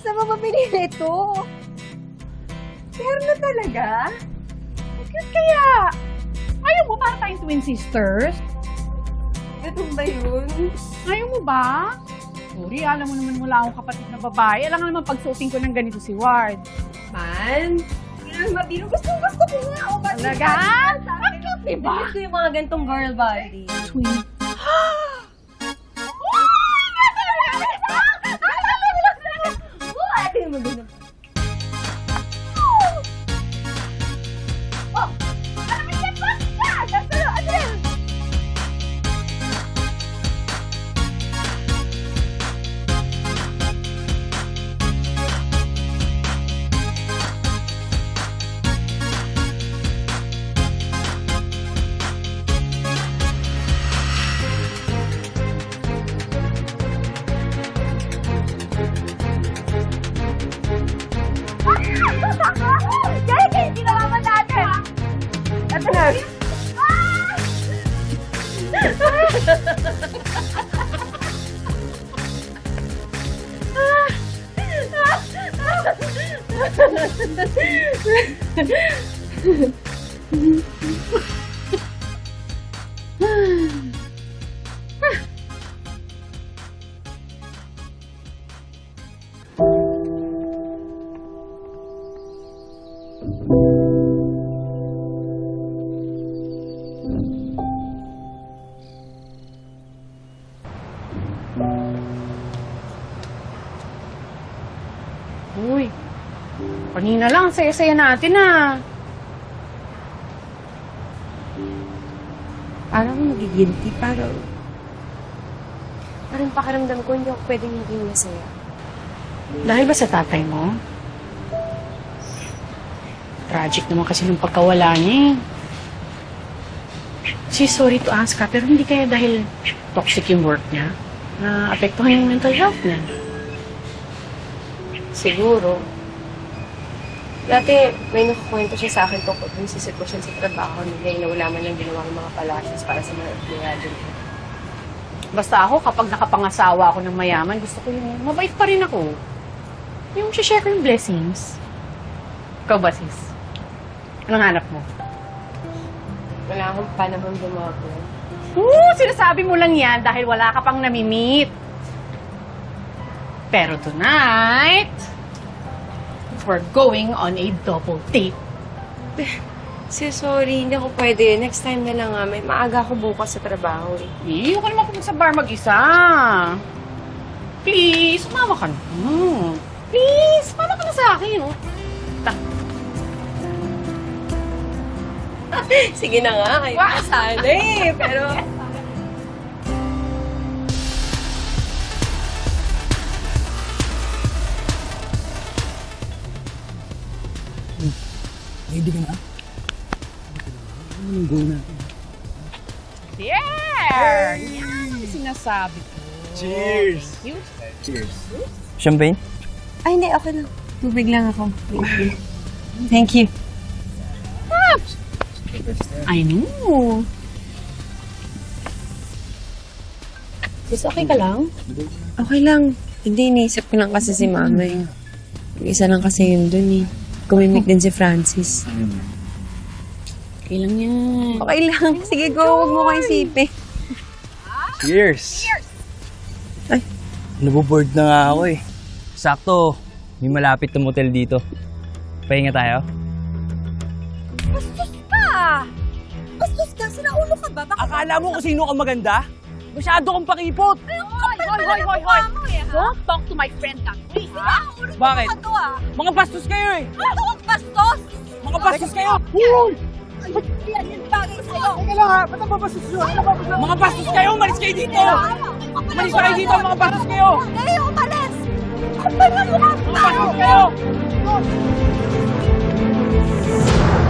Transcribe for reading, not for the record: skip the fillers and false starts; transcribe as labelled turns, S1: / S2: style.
S1: Saan mo ba pinili ito?
S2: Pero na talaga? Ang cute kaya. Ayaw mo para tayong twin sisters?
S1: Ito ba yun?
S2: Ayaw mo ba? Sorry, alam mo naman wala akong kapatid na babae. Alam nga naman pagsuotin ko ng ganito si Ward.
S1: Man? Yan, mabiro. Gusto ko nga. O, ba't
S2: Talaga? Ang cute, diba?
S1: Gusto ko yung mga gantong girl body.
S2: Twin.
S1: Ate yung maganda. Kaya kayo kinalaman natin! Ito na!
S2: Uy, kanina lang, saya-saya natin ah.
S3: Parang magigilty, parang pakiramdam ko hindi ako pwedeng hindi masaya.
S2: Dahil ba sa tatay mo? Tragic naman kasi nung pagkawala niya eh. She's sorry to ask ka, pero hindi kaya dahil toxic yung work niya na apektuhan yung mental health niya.
S3: Siguro. Dati, may nakakwento siya sa akin tungkol dun sa sitwasyon sa trabaho nila na wala man lang ginawa ng mga palashes para sa mga empleyado nila.
S2: Basta ako, kapag nakapangasawa ako ng mayaman, gusto ko yung mabait pa rin ako. Yung share ko yung blessings. Ikaw ba, sis? Anong hanap mo?
S3: Wala akong panahon dumago.
S2: Sinasabi mo lang yan dahil wala ka pang nami-meet. Pero tonight, we're going on a double date.
S3: Sorry, hindi ako pwede. Next time na lang nga. May maaga ako bukas sa trabaho eh.
S2: Hindi ko naman pumunta sa bar mag-isa. Please, sumama ka na. Please, sumama ka na sa akin. Oh.
S3: Sige na nga, kayo na sana eh. Pero...
S4: Ready ka na? Anong goal natin?
S2: There! Yan ang sinasabi ko.
S4: Cheers!
S2: Thank you.
S4: Cheers. Champagne?
S3: Ay, hindi. Okay lang. Tubig lang ako. Thank you.
S2: I know.
S3: Sis, okay ka lang? Okay lang. Hindi, iniisip ko lang kasi si mama eh. Isa lang kasi yun dun eh. Kumimik din si Francis.
S2: Okay lang yan.
S3: Okay lang. Sige, go. Huwag mo kayo isipin.
S4: Cheers!
S3: Ay.
S4: Naboboard na nga ako eh. Sakto, may malapit na motel dito. Pahinga tayo?
S1: Bastos ka! Bastos ka? Sinaulo ka ba? Bakit
S4: Akala mo kung sino ka maganda? Masyado kang pakipot!
S2: Hoy! Don't talk to my friend that way, ha?
S4: Bakit?
S1: Ano ah?
S4: Mga bastos kayo eh!
S1: Ano ang bastos?
S4: Mga bastos kayo!
S1: Yan yung bagay sa'yo.
S4: Teka lang ha, ba't nababastos nyo? Mga bastos kayo! Umalis kayo dito! Umalis kayo dito! Mga bastos kayo!
S1: Hindi, umalis! Kapal na mukha
S4: Mga bastos kayo!